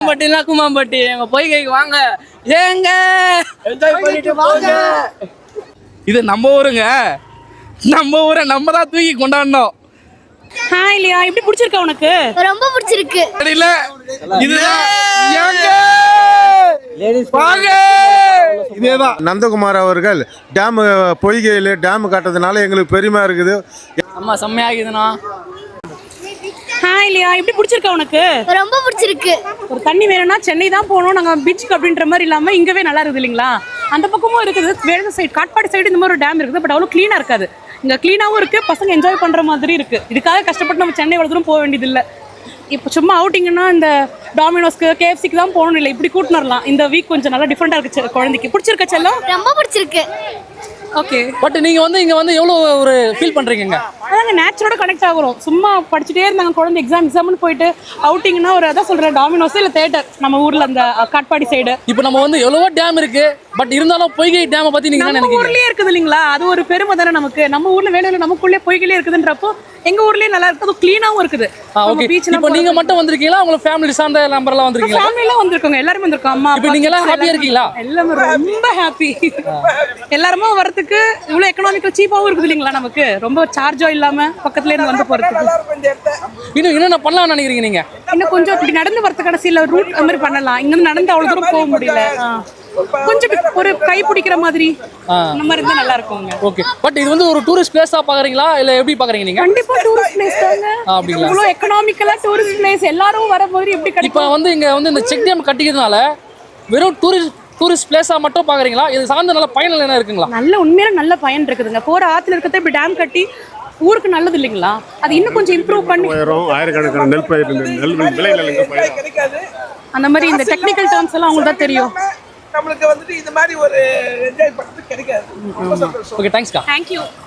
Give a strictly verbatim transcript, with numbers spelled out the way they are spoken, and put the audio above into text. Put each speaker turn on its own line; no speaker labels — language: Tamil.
பட்டினா குமாம்பட்டி எங்க பொய்கைக்கு வாங்க ஏங்க என்ஜாய் பண்ணிட்டு வாங்க. இது நம்ம ஊருங்க, நம்ம ஊரை நம்ம தான் தூக்கி கொண்டாடணும்.
ஹாய் இல்லையா, எப்படி பிடிச்சிருக்கா உனக்கு?
ரொம்ப பிடிச்சிருக்கு.
இல்ல இதுதான் ஏங்க வாங்க.
இதேதான் நந்தகுமார் அவர்கள் டேம் பொய்கையில் டேம் கட்டுறதுனால எங்களுக்கு பெருமையா இருக்குது.
அம்மா செம்மையாகுதுண்ணா.
ஹாய் இல்லையா, எப்படி பிடிச்சிருக்கா உனக்கு?
ரொம்ப பிடிச்சிருக்கு.
ஒரு தண்ணி வேணும்னா சென்னை தான் போகணும், நாங்கள் பீச்சுக்கு அப்படின்ற மாதிரி இல்லாமல் இங்கவே நல்லா இருக்குது இல்லைங்களா? அந்த பக்கமும் இருக்குது, வேறு சைடு காட்பாடி சைடு இந்த மாதிரி ஒரு டேம் இருக்குது, பட் அவ்வளோ க்ளீனாக இருக்காது. இங்கே க்ளீனாகவும் இருக்குது, பசங்க என்ஜாய் பண்ணுற மாதிரி இருக்குது. இதுக்காக கஷ்டப்பட்டு நம்ம சென்னை எவ்வளோ தூரம் போக வேண்டியதில்லை. இப்போ சும்மா அவுட்டிங்கன்னா இந்த டாமினோஸ்க்கு கேஎஃப்சிக்கு தான் போகணும் இல்லை, இப்படி கூட்டின்னு வரலாம். இந்த வீக் கொஞ்சம் நல்லா டிஃப்ரெண்ட்டாக இருக்குது. குழந்தைக்கு பிடிச்சிருக்க செல்லம்?
ரொம்ப பிடிச்சிருக்கு.
ஓகே,
பட் நீங்கள் வந்து இங்கே வந்து எவ்வளோ ஒரு ஃபீல் பண்ணுறீங்க?
அதாங்க நேச்சரோட கனெக்ட் ஆகிறோம். சும்மா படிச்சுட்டே இருந்தாங்க குழந்தை, எக்ஸாம் எக்ஸாம்னு போயிட்டு அவுட்டிங்னா ஒரு அதான் சொல்கிறேன், டாமினோஸ் இல்லை தேட்டர் நம்ம ஊரில் அந்த காட்பாடி சைடு.
இப்போ நம்ம வந்து எவ்வளவோ டேம் இருக்கு, பட் இருந்தாலும் பொய்கை டேமை பற்றி நீங்கள் என்ன
நம்ம
நினைக்கிறீங்க?
ஊர்லேயே இருக்குது இல்லைங்களா, அது ஒரு பெருமை தானே நமக்கு. நம்ம ஊரில் வேலையில் நமக்குள்ளே பொய்கையிலே இருக்குதுன்றப்போ எங்கள் ஊர்லேயே நல்லா இருக்குது, அது க்ளீனாகவும் இருக்குது.
ஓகே, இப்போ நீங்கள் மட்டும் வந்திருக்கீங்களா, உங்களை ஃபேமிலி சார்ந்த நம்பர்லாம் வந்திருக்கீங்களா?
ஃபேமிலியெல்லாம் வந்திருக்கோங்க, எல்லாருமே வந்திருக்கோம். அம்மா
இப்போ நீங்கள் எல்லாம் ஹாப்பியாக இருக்கீங்களா?
எல்லாமே ரொம்ப ஹாப்பி. எல்லாருமே வரதுக்கு இவ்வளோ எக்கனாமிக்கல் சீப்பாகவும் இருக்குது இல்லைங்களா, நமக்கு ரொம்ப சார்ஜோ இல்லாமல் பக்கத்துல இருந்து வந்து போகிறதுக்கு.
இன்னும் என்னென்ன பண்ணலாம்னு நினைக்கிறீங்க நீங்கள்?
இன்னும் கொஞ்சம் இப்படி நடந்து வரது கடைசியில் ரூட் அந்த மாதிரி பண்ணலாம். இங்கே நடந்து அவ்வளோ தூரம் போக முடியல, கொஞ்சம் ஒரு கை பிடிக்கிற மாதிரி அந்த மாதிரி இருந்தால் நல்லா இருக்குங்க.
ஓகே, பட் இது வந்து ஒரு டூரிஸ்ட் பிளேஸாக பார்க்குறீங்களா இல்லை எப்படி பார்க்குறீங்க நீங்கள்?
கண்டிப்பாக டூரிஸ்ட் பிளேஸ் தாங்க.
அப்படிங்களா?
இவ்வளோ எக்கனாமிக்கலாக டூரிஸ்ட் பிளேஸ் எல்லாரும் வர மாதிரி எப்படி கிடைக்கும்?
இப்போ வந்து இங்கே வந்து இந்த செக் டேம் கட்டிக்கிறதுனால வெறும் டூரிஸ்ட் டூரிஸ்ட் பிளேஸாக மட்டும் பார்க்குறீங்களா, இது சார்ந்த நல்ல பயன் என்ன இருக்குங்களா?
நல்ல உண்மையில நல்ல பயன் இருக்குதுங்க. போகிற ஆற்றுல இருக்கிறத இப்படி டேம் கட்டி ஊருக்கு நல்லது இல்லைங்களா, அது இன்னும் கொஞ்சம் இம்ப்ரூவ் பண்ணி
ஆயிரக்கணக்கான நெல் பயிர் நெல் விளைநிலங்கள்
அந்த மாதிரி இந்த டெக்னிக்கல் டேர்ம்ஸ் எல்லாம் அவங்களுக்கு தான் தெரியும்.
நம்மளுக்கு வந்துட்டு இந்த மாதிரி ஒரு என்ஜாய் பண்ணுறது கிடைக்காது.
ஓகே, தேங்க்ஸ்க்கா.
தேங்க்யூ.